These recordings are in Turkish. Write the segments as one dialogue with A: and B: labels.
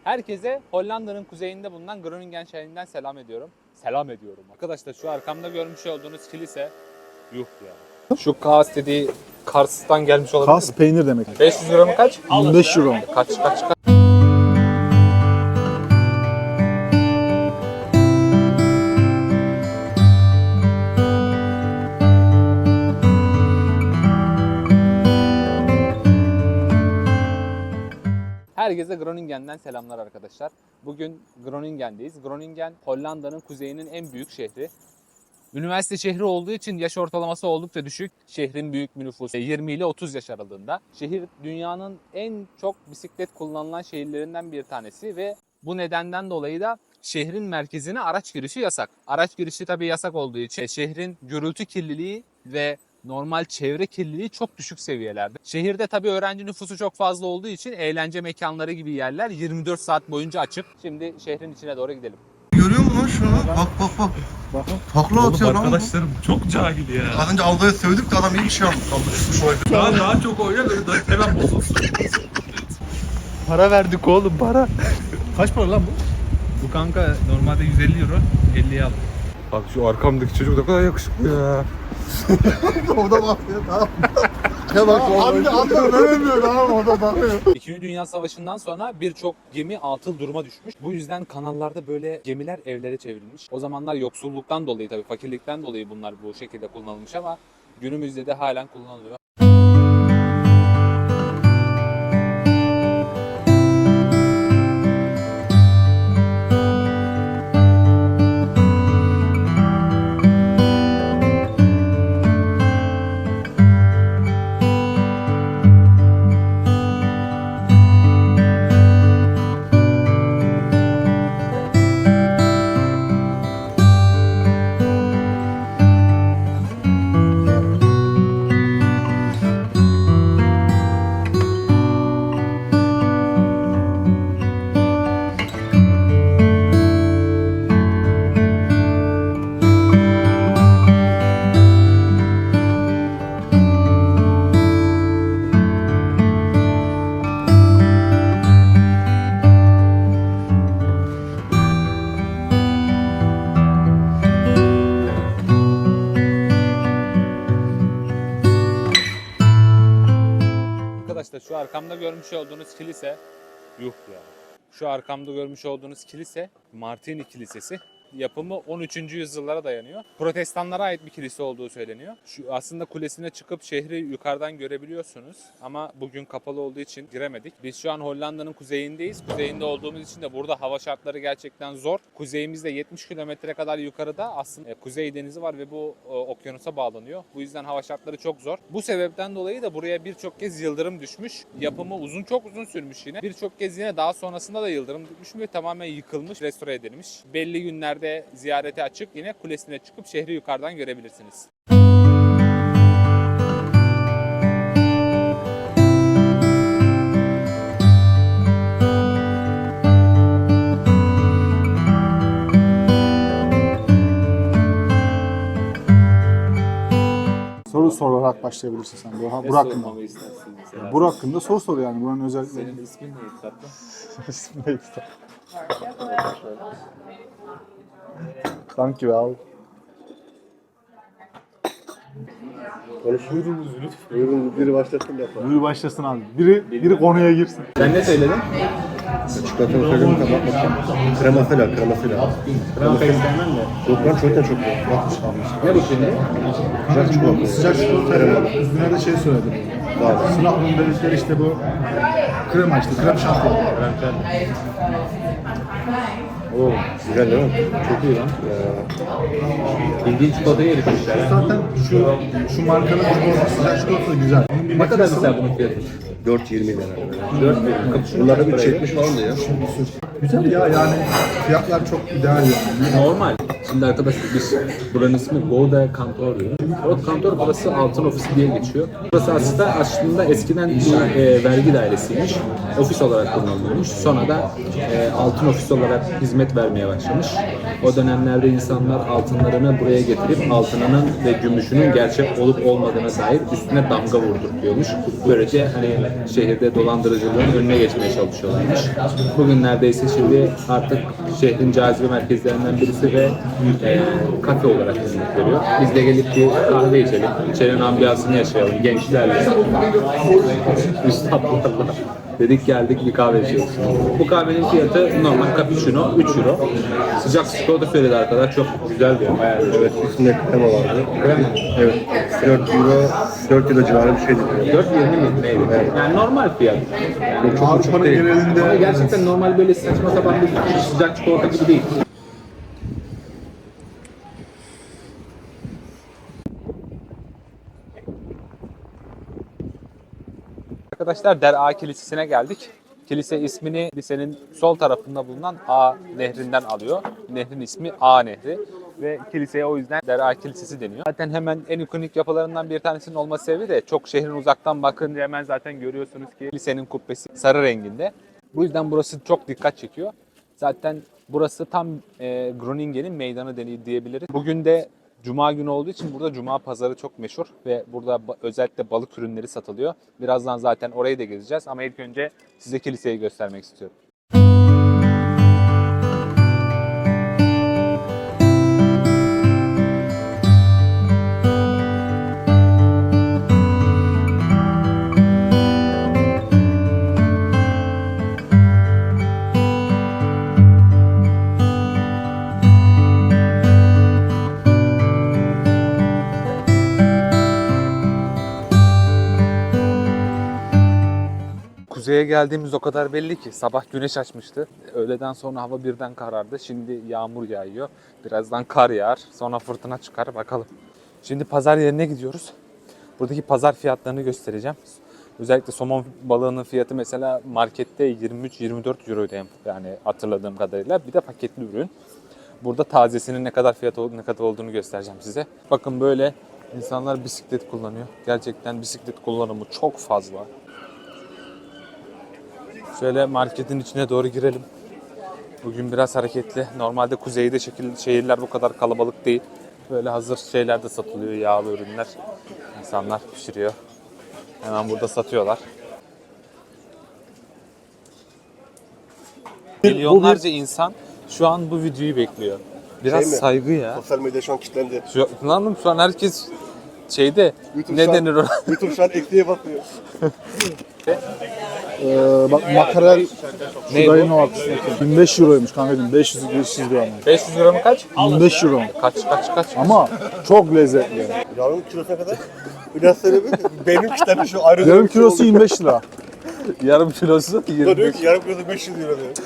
A: Herkese Hollanda'nın kuzeyinde bulunan Groningen şehrinden selam ediyorum. Selam ediyorum. Arkadaşlar şu arkamda görmüş olduğunuz kilise yuh ya. Şu Kaas dediği Kars'tan gelmiş olabilir
B: Kas
A: mi?
B: peynir demek.
A: 500 euro mu kaç?
B: 25 euro.
A: Kaç? Herkese Groningen'den selamlar arkadaşlar. Bugün Groningen'deyiz. Groningen, Hollanda'nın kuzeyinin en büyük şehri. Üniversite şehri olduğu için yaş ortalaması oldukça düşük. Şehrin büyük bir nüfusu 20 ile 30 yaş aralığında. Şehir dünyanın en çok bisiklet kullanılan şehirlerinden bir tanesi ve bu nedenden dolayı da şehrin merkezine araç girişi yasak. Araç girişi tabii yasak olduğu için şehrin gürültü kirliliği ve normal çevre kirliliği çok düşük seviyelerde. Şehirde tabii öğrenci nüfusu çok fazla olduğu için eğlence mekanları gibi yerler 24 saat boyunca açık. Şimdi şehrin içine doğru gidelim.
C: Görüyor musun lan şunu? Bak.
B: Bakın.
C: Takla atıyor lan bu.
D: Arkadaşlarım çok cahil ya.
C: Az önce Alda'ya sövdük de adam iyi bir şey almış. Alda düşmüş olabilir.
D: Daha çok oynar böyle hemen bozulsun.
B: Para verdik oğlum para. Kaç para lan bu?
D: Bu kanka normalde 150 euro, 50'ye aldım.
C: Bak şu arkamdaki çocuk ne kadar yakışıklı ya. O da bakıyor tamam. Ya bak
B: Abi de adam veremiyor abi o da bakıyor.
A: İkinci Dünya Savaşı'ndan sonra birçok gemi atıl duruma düşmüş. Bu yüzden kanallarda böyle gemiler evlere çevrilmiş. O zamanlar yoksulluktan dolayı tabii fakirlikten dolayı bunlar bu şekilde kullanılmış ama günümüzde de halen kullanılıyor. Arkadaşlar şu arkamda görmüş olduğunuz kilise yuh ya. Şu arkamda görmüş olduğunuz kilise Martini Kilisesi. Yapımı 13. yüzyıllara dayanıyor. Protestanlara ait bir kilise olduğu söyleniyor. Şu aslında kulesine çıkıp şehri yukarıdan görebiliyorsunuz. Ama bugün kapalı olduğu için giremedik. Biz şu an Hollanda'nın kuzeyindeyiz. Kuzeyinde olduğumuz için de burada hava şartları gerçekten zor. Kuzeyimizde 70 kilometre kadar yukarıda aslında Kuzey Denizi var ve bu okyanusa bağlanıyor. Bu yüzden hava şartları çok zor. Bu sebepten dolayı da buraya birçok kez yıldırım düşmüş. Yapımı çok uzun sürmüş yine. Birçok kez yine daha sonrasında da yıldırım düşmüş ve tamamen yıkılmış, restore edilmiş. Belli günlerde ziyarete açık, yine kulesine çıkıp şehri yukarıdan görebilirsiniz.
B: Soru sorarak başlayabilirsin sen. Bu hakkında. Bu hakkında soru sor yani. Buranın özellikleri.
A: Senin ismin neydi tatlım?
B: İsmi neydi? Thank you abi.
C: Buyurun biri başlasın yapalım.
B: Buyur başlasın abi. Biri konuya girsin.
A: Sen ne söyledin?
C: Çikolatanı söyleyeyim mi? Bak bakayım. Kremasıyla.
A: Krema pek sevmem de.
C: Yok lan çikolata çok iyi.
A: Ne bu şimdi?
C: Sıcak çikolata.
B: Sıcak çikolatayla üstüne de şey söyledim. Sınavın dedikleri işte bu krema işte. Krem şanti.
A: Oo,
C: Güzel değil mi?
A: çok iyi lan. Bildiğin çikolatayı eritmişler.
B: Zaten şu markanın çikolatası, sıcak çikolatası güzel.
A: Ne kadar mesela bunun fiyatı?
C: 4.20 lira.
A: 4
C: Bunlarda 3.70 falan da ya.
B: Güzel ya yani fiyatlar çok ideal yani.
A: normal. Şimdi arkadaşlar biz buranın ismi Gouda Kantor diyor. Gouda Kantor burası altın ofisi diye geçiyor. Burası aslında eskiden bir vergi dairesiymiş. Ofis olarak kullanılıyormuş. Sonra da altın ofis olarak hizmet vermeye başlamış. O dönemlerde insanlar altınlarını buraya getirip altınının ve gümüşünün gerçek olup olmadığına dair üstüne damga vurdurtuyormuş. Böylece hani şehirde dolandırıcılığın önüne geçmeye çalışıyorlarmış. Bugünlerde ise şimdi artık şehrin cazibe merkezlerinden birisi ve kafe olarak hizmet veriyor. Biz de gelip bir kahve içelim, içerinin ambiyansını yaşayalım gençlerle, üstadlarla. Dedik geldik bir kahve içiyoruz. Bu kahvenin fiyatı normal cappuccino 3 euro. Sıcak çikolata söyledi arkadaş, çok güzel diyor. Bayağı
C: Evet, üstünde krema vardı.
A: Krema.
C: Evet, 4 euro civarı bir şeydi.
A: 4.20 mi? Neydi? Evet. Yani normal fiyat. Yani çok
B: Avrupa'nın
A: değil.
B: genelinde
A: Ama gerçekten normal böyle saçma sapan bir sıcak çikolata gibi değil. Arkadaşlar Dera Kilisesi'ne geldik. Kilise ismini kilisenin sol tarafında bulunan A nehrinden alıyor. Nehrin ismi A Nehri ve kiliseye o yüzden Dera Kilisesi deniyor. Zaten hemen en ikonik yapılarından bir tanesinin olması sebebi de çok şehrin uzaktan bakınca hemen zaten görüyorsunuz ki kilisenin kubbesi sarı renginde. Bu yüzden burası çok dikkat çekiyor. Zaten burası tam Groningen'in meydanı diyebiliriz. Bugün de Cuma günü olduğu için burada Cuma pazarı çok meşhur ve burada özellikle balık ürünleri satılıyor. Birazdan zaten orayı da gezeceğiz ama ilk önce size kiliseyi göstermek istiyorum. Kuzeye geldiğimiz o kadar belli ki sabah güneş açmıştı. Öğleden sonra hava birden karardı. Şimdi yağmur yağıyor. Birazdan kar yağar. Sonra fırtına çıkar. Bakalım. Şimdi pazar yerine gidiyoruz. Buradaki pazar fiyatlarını göstereceğim. Özellikle somon balığının fiyatı mesela markette 23-24 euroydu yani hatırladığım kadarıyla. Bir de paketli ürün. Burada tazesinin ne kadar olduğunu göstereceğim size. Bakın böyle insanlar bisiklet kullanıyor. Gerçekten bisiklet kullanımı çok fazla. Şöyle marketin içine doğru girelim. Bugün biraz hareketli. Normalde kuzeyde şehirler bu kadar kalabalık değil. Böyle hazır şeyler de satılıyor, yağlı ürünler. İnsanlar pişiriyor. Hemen burada satıyorlar. Milyonlarca insan şu an bu videoyu bekliyor. Biraz
C: Şey mi?
A: saygı ya.
C: Sosyal medya şu an kilitlendi.
A: Şu an herkes şeyde
C: YouTube
A: ne
C: şu an-
A: denir ona?
C: YouTube şu an ekliğe bakıyor.
B: bak makarel
A: Ne
B: şu dayının
A: bu?
B: o arkasındaki. 25 euroymuş kankacığım. 500 gram.
A: 500 euro mu kaç?
B: 25 euro.
A: Kaç?
B: Ama çok lezzetli.
C: Yarım kilosuna kadar. Biraz söyle bir. Benim kilitlendi şu ayrı.
B: Yarım kilosu 25 lira.
A: Yarım kilosu
C: Diyor
A: 20.
C: ki yarım kilosu 500 euro diyor.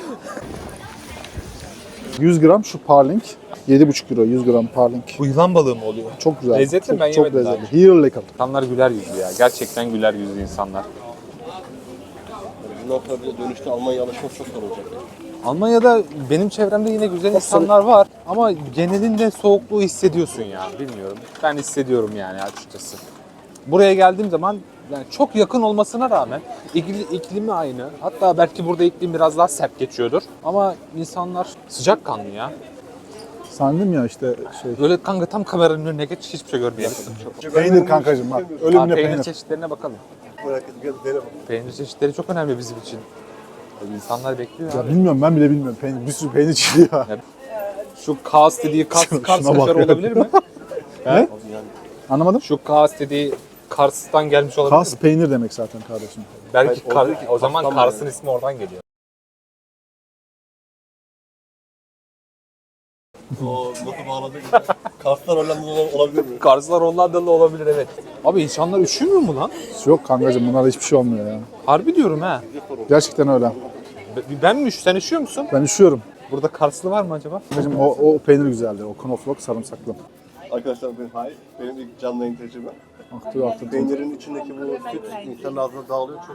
B: 100 gram şu parling. 7,5 euro 100 gram parling.
A: Bu yılan balığı mı oluyor?
B: Çok güzel.
A: Lezzetli
B: çok,
A: mi? Ben
B: çok
A: yemedim daha
B: lezzetli. Here lecker.
A: İnsanlar güler yüzlü ya. Gerçekten güler yüzlü insanlar.
C: Bundan sonra bir de dönüşte Almanya'ya alışmak çok zor olacak.
A: Almanya'da benim çevremde yine güzel insanlar var ama genelinde soğukluğu hissediyorsun ya. Bilmiyorum. Ben hissediyorum yani açıkçası. Buraya geldiğim zaman yani çok yakın olmasına rağmen iklimi aynı. Hatta belki burada iklim biraz daha sert geçiyordur. Ama insanlar sıcakkanlı ya.
B: Sandım ya işte şey.
A: Böyle kanka tam kameranın önüne geç hiçbir şey görmeyelim.
B: Peynir kankacığım bak. Ölümüne
A: Peynir
B: peynir.
A: çeşitlerine bakalım.
C: Merak ettim. Gel dene bak.
A: Peynir çeşitleri çok önemli bizim için. İnsanlar bekliyor
B: Ya
A: abi.
B: bilmiyorum ben bile bilmiyorum. Peynir, bir sürü peynir çıkıyor ya.
A: Şu Kars dediği Kars
B: Şuna
A: kaşarı
B: bak ya.
A: olabilir mi?
B: Ne? Anlamadım.
A: Şu Kars dediği Kars'tan gelmiş olabilir
B: Kas
A: mi?
B: peynir demek zaten kardeşim.
A: Belki
C: Hayır, oradaki
A: o zaman
C: Kars'tan
A: Kars'ın ismi oradan geliyor.
C: O nasıl bağladı? Kars'tan Hollandalı olabilir mi?
A: Karslar Hollandalı olabilir evet. Abi insanlar üşümüyor mu lan?
B: Yok kankacığım bunlarda hiçbir şey olmuyor ya.
A: Harbi diyorum ha.
B: Gerçekten öyle.
A: Ben mi sen üşüyor musun?
B: Ben üşüyorum.
A: Burada Karslı var mı acaba?
B: Kankacığım o peynir güzeldi. O knoflook sarımsaklı.
C: Arkadaşlar benim ilk canlı yayın tecrübem.
B: Aktı.
C: Peynirin içindeki bu süt insanın ağzına dağılıyor çok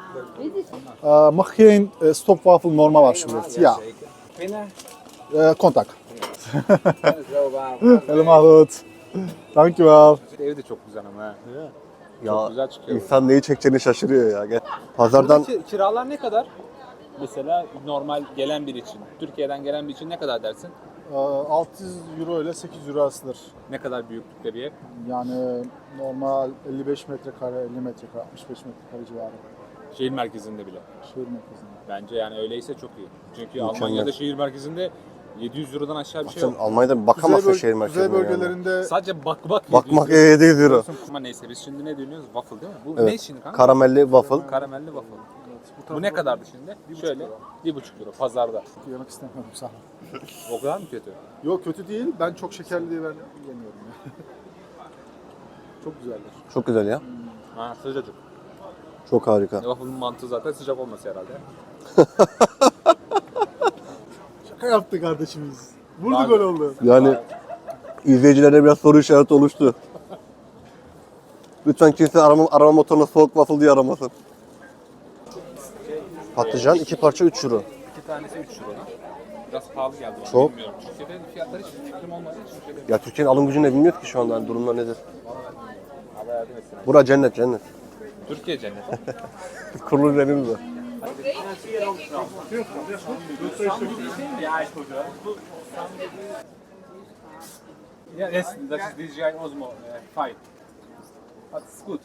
C: güzel.
B: Mag geen stopwafel normaal alsjeblieft? Ja. Contact. Helemaal goed. Dankjewel.
A: Ev de çok güzel ama ha.
C: Ya
A: Çok güzel çıkıyor.
C: insan neyi çekeceğini şaşırıyor ya. Gel. Pazardan
A: Kiralar ne kadar? Mesela normal gelen biri için, Türkiye'den gelen biri için ne kadar dersin?
B: 600 euro ile 800 euro arasıdır.
A: Ne kadar büyüklükte bir ev?
B: Yani normal 55 metrekare, 50 metrekare, 65 metrekare civarı.
A: Şehir merkezinde bile.
B: Şehir merkezinde.
A: Bence yani öyleyse çok iyi. Çünkü
C: Mükemmel.
A: Almanya'da şehir merkezinde 700 Euro'dan aşağı bir şey
C: sen
A: yok.
C: Almanya'da bir bakamazsın şehir
B: Kuzey
C: merkezine. Yani.
B: bölgelerinde
A: Sadece bakmak
C: Bakmak
A: 700
C: 700 euro.
A: Ama neyse biz şimdi ne dönüyoruz? Waffle değil mi? Bu
C: Evet.
A: ne şimdi kanka?
C: Karamelli waffle.
A: Karamelli waffle. Bu ne kadardı şimdi? Şöyle 1,5 euro pazarda.
B: yemek istemiyorum sağ ol.
A: O kadar mı kötü?
B: Yok kötü değil. Ben çok şekerli diye ben yemiyorum ya. Çok güzeldir.
C: Çok güzel ya.
A: Ha sıcacık.
C: Çok harika.
A: Waffle'ın mantığı zaten sıcak olması herhalde.
B: Şaka yaptı kardeşimiz. Vurdu
A: Abi-
B: gol oldu.
C: Yani izleyicilere biraz soru işareti oluştu. Lütfen kimse arama motoruna soğuk waffle diye aramasın. Patlıcan 2 parça 3 euro.
A: 2 tanesi 3 euro. Biraz pahalı geldi bana.
C: Çok.
A: Bilmiyorum. Türkiye'de fiyatları hiç fikrim olmadığı için şöyle
C: Ya Türkiye'nin alım gücünü ne bilmiyoruz ki şu anda. Yani durumlar nedir?
A: hava yardım etsin.
C: Bura cennet cennet.
A: Türkiye cenneti.
C: Kurulu üzerimiz var.
A: Ja, yes, dat is DJI Osmo 5. That's good.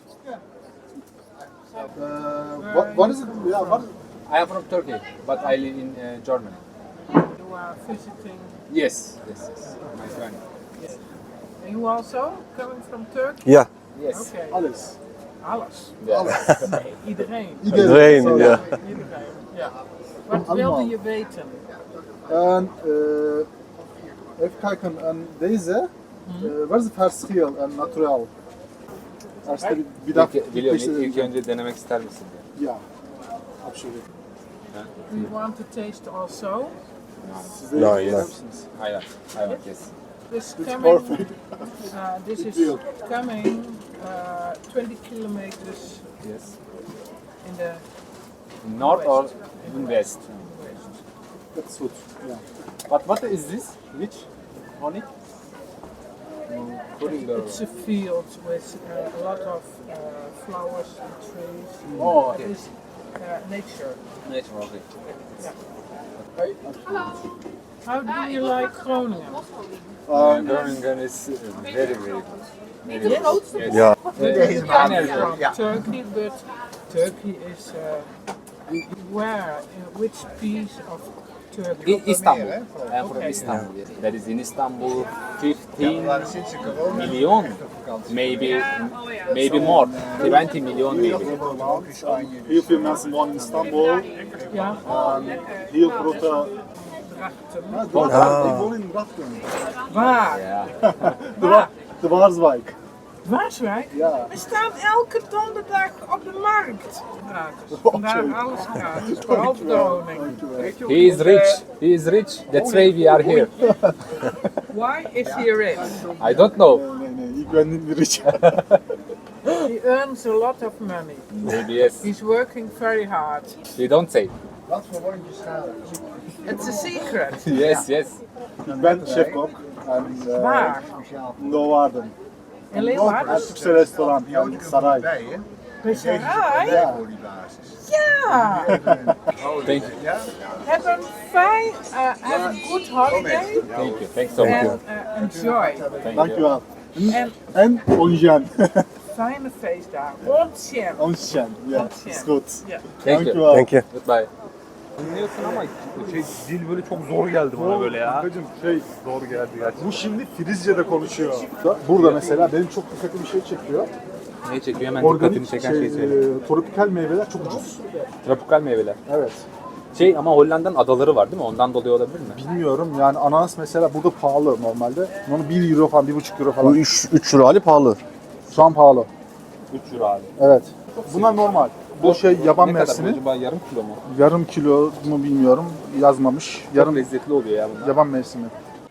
B: What is it? Yeah, what?
A: I am from Turkey, but I live in Germany.
E: You are visiting.
A: Yes, yes, yes. My friend.
E: And you also coming from Turkey?
C: Ya.
A: Yes.
E: Okay.
B: Alles.
E: Alles.
A: Yeah.
E: Nee, iedereen.
C: Iedereen,
B: Zo,
C: ja.
E: Iedereen. Ja. Wat
B: Allemaal.
E: wilde je weten?
B: En even kijken, en deze, wat is het verschil en naturel? Eerst bir daha
A: Biliyorum, ilk önce denemek ister misin?
B: Ja, absoluut.
E: Do you want to taste also?
B: Siz de
C: No,
B: yer
C: yes.
B: misiniz?
A: Hayır, hayır, yes.
E: This
B: It's
E: coming.
B: perfect.
E: This is
B: deal.
E: coming 20 kilometers
A: Yes.
E: in the
A: North or in west?
B: That's good. Yeah.
A: But what is this? Which? Honey?
E: It's a field with a lot of flowers and trees.
A: Oh, okay.
E: It is nature.
A: Natural, okay.
E: How do you like Groningen?
A: Groningen is very, very good. Very good. Yes.
C: Ya.
E: You come from Turkey, but Turkey is where? In which piece of Turkey?
A: Istanbul. I am from
E: Okay.
A: Istanbul. That is in Istanbul 15 million, maybe more, 20 million maybe.
B: Heel veel mensen wonen in Istanbul.
E: Ja,
B: Heel grote...
E: Drachten.
B: Ik woon in Drachten.
E: Waar?
A: Yeah.
B: De Waarswijk.
E: Waarswijk?
B: Ja.
E: We staan elke donderdag op de markt. Gratis. Vandaag alles gratis. Behalve de honing.
A: He is rich. He is rich. That's why we are here.
E: Why is he rich?
A: I don't know.
B: Nee, ik ben niet rich.
E: He earns a lot of money.
A: Maybe yes.
E: He's working very hard.
A: We don't say.
E: It's a secret.
A: Yes, yes.
B: Ik ben chefkok. En
E: Waar?
B: Leeuwarden.
E: In
B: Een
E: Leeuwarden?
B: Turkse restaurant in Saray.
E: Bij Sarai?
B: Ja.
E: Ja!
A: Thank you.
E: Have a good holiday
A: Thank you. Thanks so much.
E: and enjoy.
A: Thank you.
B: Dankjewel.
E: En
B: En onjen.
E: fijne feestdagen. Ontjen.
B: Onjen. Ja, is goed.
E: Ja.
A: Thank you.
B: Dankjewel.
C: Thank you.
A: Goodbye. Dinliyorsun ama dil böyle çok zor geldi bana böyle ya.
B: Kankacığım şey,
A: Zor geldi gerçekten.
B: bu şimdi Frizce'de konuşuyor. Burada mesela benim çok dikkatimi şey çekiyor.
A: Ne çekiyor? Hemen dikkatini
B: Organik
A: çeken şey söyle.
B: tropikal meyveler çok ucuz.
A: Tropikal meyveler.
B: Evet.
A: Şey ama Hollanda'nın adaları var değil mi? Ondan dolayı olabilir mi?
B: Bilmiyorum yani ananas mesela burada pahalı normalde. Onu 1 euro falan, 1,5 euro
C: Bu
B: falan.
C: 3 euro hali pahalı.
B: Şu an pahalı.
A: 3 euro abi.
B: Evet. Bunlar normal. Bu şey yaban
A: Ne kadar bu
B: mersini.
A: acaba? Yarım kilo mu?
B: Yarım kilo mu bilmiyorum. Yazmamış.
A: Yarım
B: Yarım
A: lezzetli oluyor ya bunlar.
B: yaban mevsimi.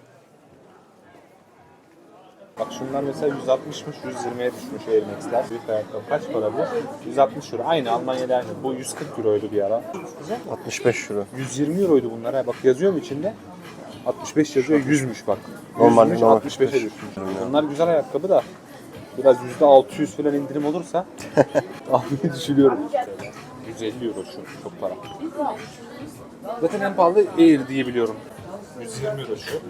A: Bak şunlar mesela 160'mış, 120'ye düşmüş Air Max'ler. Büyük ayakkabı. Kaç para bu? 160 euro. Aynı Almanya'da aynı. Bu 140 euroydu bir ara.
C: 65 euro.
A: 120 euroydu bunlar. Ha. Bak yazıyor mu içinde? 65 yazıyor 100'müş bak.
C: Normal,
A: 100'müş,
C: normal
A: 65'e
C: 45.
A: düşmüş. Bunlar güzel ayakkabı da biraz %600 falan indirim olursa almayı düşünüyorum. 150 euro şu, çok para. Zaten en pahalı Air diye biliyorum. 120 euro şu.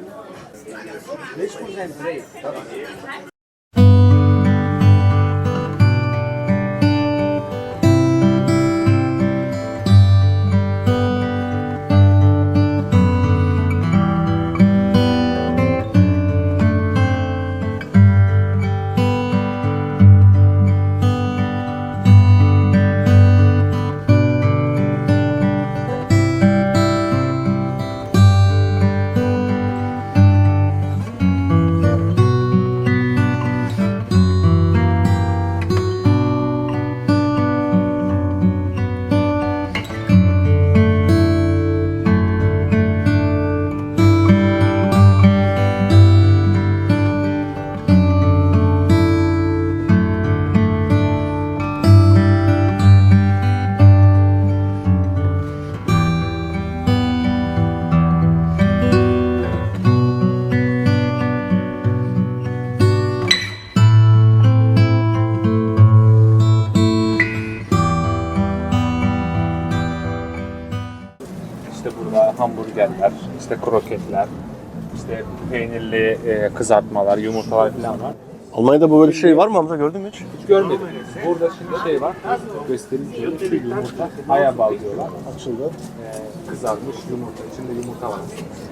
A: İşte burada hamburgerler, işte kroketler, işte peynirli kızartmalar, yumurtalar falan var.
C: Almanya'da böyle şey var mı Hamza, gördün mü hiç?
A: Hiç görmedim. Burada şimdi şey var, göstereyim şöyle, şu yumurta, hayabal diyorlar.
B: Açıldı.
A: Kızarmış yumurta, içinde yumurta var.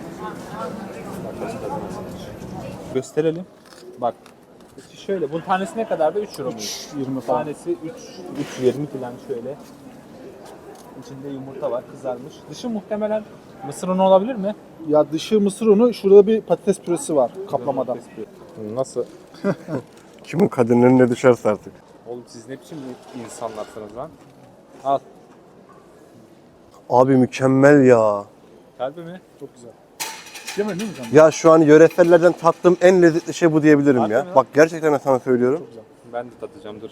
A: Gösterelim. Bak, şöyle, bunun tanesi ne kadardı? 3 euro mu?
B: 20 falan.
A: Tanesi 3.20 falan şöyle. İçinde yumurta var, kızarmış. Dışı muhtemelen mısır unu olabilir mi?
B: Ya dışı mısır unu, şurada bir patates püresi var kaplamadan.
A: Nasıl?
C: Kimin kaderinin önüne düşerse artık.
A: Oğlum siz ne biçim insanlarsınız lan? Al.
C: Abi mükemmel ya.
A: Kalbi mi?
B: Çok güzel. Yemedin mi sen?
C: Ya şu an yöresellerden tattığım en lezzetli şey bu diyebilirim
A: Harbi
C: ya.
A: mi lan?
C: Bak gerçekten sana söylüyorum.
A: Ben de tadacağım, dur.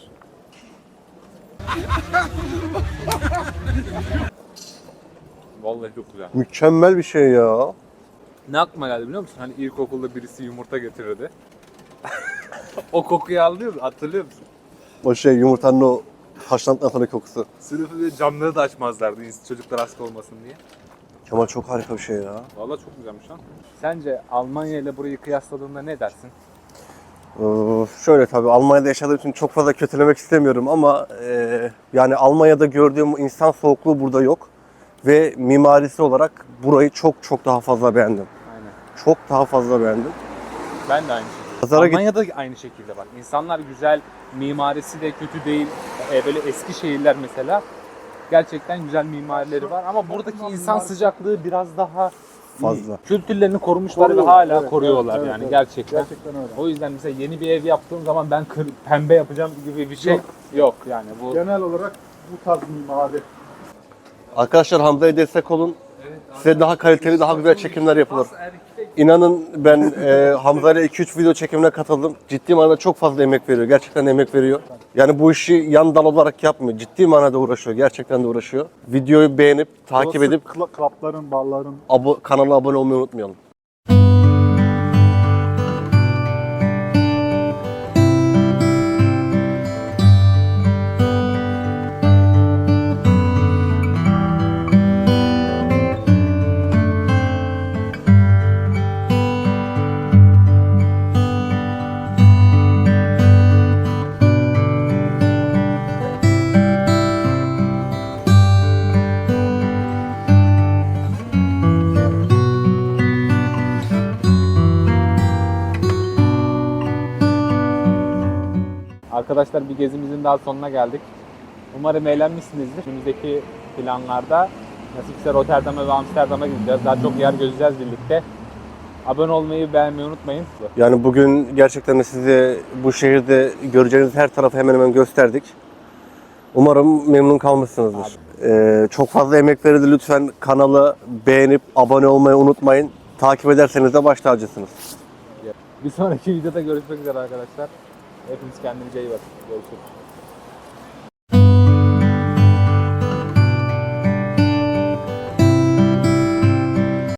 A: Vallahi çok güzel.
C: Mükemmel bir şey ya.
A: Ne aklıma geldi biliyor musun? Hani ilkokulda birisi yumurta getirirdi. O kokuyu hatırlıyor musun?
C: O şey, yumurtanın o haşlandıktan sonra kokusu.
A: Sınıfı ve camları da açmazlardı çocuklar hasta olmasın diye.
C: Kemal çok harika bir şey ya.
A: Vallahi çok güzelmiş lan. Sence Almanya ile burayı kıyasladığında ne dersin?
C: Şöyle, tabii Almanya'da yaşadığım için çok fazla kötülemek istemiyorum ama yani Almanya'da gördüğüm insan soğukluğu burada yok. Ve mimarisi olarak burayı çok daha fazla beğendim.
A: Aynen.
C: Çok daha fazla beğendim.
A: Ben de aynı şekilde.
C: Pazara
A: Almanya'da aynı şekilde bak. İnsanlar güzel, mimarisi de kötü değil. Böyle eski şehirler mesela. Gerçekten güzel mimarileri var ama buradaki insan sıcaklığı biraz daha
C: Fazla.
A: iyi. Kültürlerini korumuşlar ve
B: Koruyorlar,
A: hala
B: evet,
A: koruyorlar
B: evet,
A: yani
B: evet.
A: gerçekten.
B: Gerçekten öyle.
A: O yüzden mesela yeni bir ev yaptığım zaman ben pembe yapacağım gibi bir şey yok yani bu.
B: Genel olarak bu tarz mimari.
C: Arkadaşlar Hamza'ya destek olun. Size daha kaliteli, daha güzel çekimler yapılır. İnanın ben Hamza ile 2-3 video çekimine katıldım. Ciddi manada çok fazla emek veriyor. Gerçekten emek veriyor. Yani bu işi yan dal olarak yapmıyor. Ciddi manada uğraşıyor. Gerçekten de uğraşıyor. Videoyu beğenip, takip edip
B: Klapların, barların.
C: kanala abone olmayı unutmayalım.
A: Arkadaşlar bir gezimizin daha sonuna geldik. Umarım eğlenmişsinizdir. Önümüzdeki planlarda nasipse Rotterdam'a ve Amsterdam'a gideceğiz. Daha çok yer gezeceğiz birlikte. Abone olmayı, beğenmeyi unutmayın.
C: Yani bugün gerçekten de size bu şehirde göreceğiniz her tarafı hemen hemen gösterdik. Umarım memnun kalmışsınızdır. Çok fazla emek verildi. Lütfen kanalı beğenip abone olmayı unutmayın. Takip ederseniz de baş tacısınız.
A: Bir sonraki videoda görüşmek üzere arkadaşlar. Hepiniz kendinize iyi bakın. Görüşürüz.